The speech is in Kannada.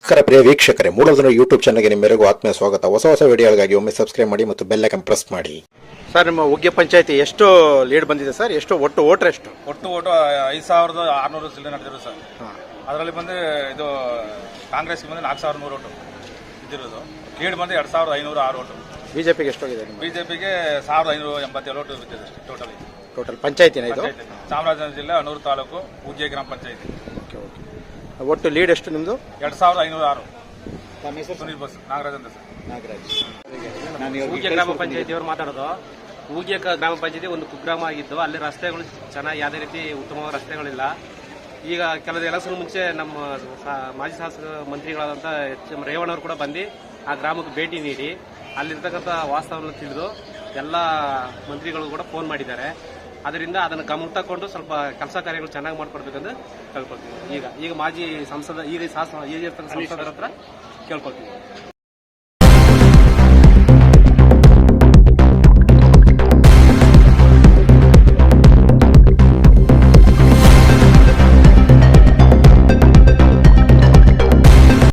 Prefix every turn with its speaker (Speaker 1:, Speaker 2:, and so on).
Speaker 1: ನಮಸ್ಕಾರ ಪ್ರಿಯ ವೀಕ್ಷಕರೇ, ಮೂಲಧನ ಯೂಟ್ಯೂಬ್ ಚಾನಲ್ಗೆ ನಿಮ್ಮೆಲ್ಲರಿಗೂ ಆತ್ಮೀಯ ಸ್ವಾಗತ. ಹೊಸ ವಿಡಿಯೋಗಳಿಗಾಗಿ ಒಮ್ಮೆ ಸಬ್ಸ್ಕ್ರೈಬ್ ಮಾಡಿ ಮತ್ತು ಬೆಲ್ ಐಕಾನ್ ಪ್ರೆಸ್ ಮಾಡಿ. ಸರ್, ನಿಮ್ಮ ಉಗ್ಗೆ ಪಂಚಾಯತಿ ಎಷ್ಟು ಲೀಡ್ ಬಂದಿದೆ ಸರ್? ಎಷ್ಟು ಒಟ್ಟು ವೋಟರ್ ಎಷ್ಟು?
Speaker 2: ಒಟ್ಟು ಓಟು 5600 ಚಿಲ್ಲರೆ ನಡೆದಿರೋದು ಸರ್. ಅದರಲ್ಲಿ ಬಂದು ಇದು ಕಾಂಗ್ರೆಸ್ಗೆ ಬಂದು 4100 ಓಟು ಇದ್ದಿರೋದು. ಲೀಡ್ ಬಂದು 2506 ಓಟು.
Speaker 1: ಬಿಜೆಪಿಗೆ ಎಷ್ಟೋಗಿದೆ?
Speaker 2: ಬಿಜೆಪಿಗೆ 1587 ಓಟು ಬಿದ್ದಿದೆ
Speaker 1: ಟೋಟಲ್ ಪಂಚಾಯತಿನ ಇದು?
Speaker 2: ಚಾಮರಾಜನಗರ ಜಿಲ್ಲೆ ಅನೂರು ತಾಲೂಕು ಉಗ್ಗೆ ಗ್ರಾಮ ಪಂಚಾಯತಿ.
Speaker 1: ಒಟ್ಟು ಲೀಡ್ ಎಷ್ಟು ನಿಮ್ದು?
Speaker 2: 2506. ಸುನೀಲ್ ಬಸ್ ನಾಗರಾಜ್ ಅಂತ ಸರ್.
Speaker 3: ಊಗೆ ಗ್ರಾಮ ಪಂಚಾಯತಿಯವರು ಮಾತಾಡೋದು. ಊಗೆ ಗ್ರಾಮ ಪಂಚಾಯತಿ ಒಂದು ಕುಗ್ರಾಮ ಆಗಿದ್ದು, ಅಲ್ಲಿ ರಸ್ತೆಗಳು ಚೆನ್ನಾಗಿ ಯಾವುದೇ ರೀತಿ ಉತ್ತಮವಾದ ರಸ್ತೆಗಳಿಲ್ಲ. ಈಗ ಕೆಲವು ಎಲೆಕ್ಷನ್ ಮುಂಚೆ ನಮ್ಮ ಮಾಜಿ ಶಾಸಕ ಮಂತ್ರಿಗಳಾದಂಥ ರೇವಣ್ಣವರು ಕೂಡ ಬಂದು ಆ ಗ್ರಾಮಕ್ಕೆ ಭೇಟಿ ನೀಡಿ ಅಲ್ಲಿರ್ತಕ್ಕಂಥ ವಾಸ್ತವವನ್ನು ತಿಳಿದು ಎಲ್ಲ ಮಂತ್ರಿಗಳು ಕೂಡ ಫೋನ್ ಮಾಡಿದ್ದಾರೆ. ಅದರಿಂದ ಅದನ್ನು ಗಮನ ತಗೊಂಡು ಸ್ವಲ್ಪ ಕೆಲಸ ಕಾರ್ಯಗಳು ಚೆನ್ನಾಗಿ ಮಾಡ್ಕೊಡ್ಬೇಕಂತ ಕೇಳ್ಕೊಳ್ತೀವಿ. ಈಗ ಮಾಜಿ ಸಂಸದ ಸಂಸದರ ಹತ್ರ ಕೇಳ್ಕೊಳ್ತೀವಿ.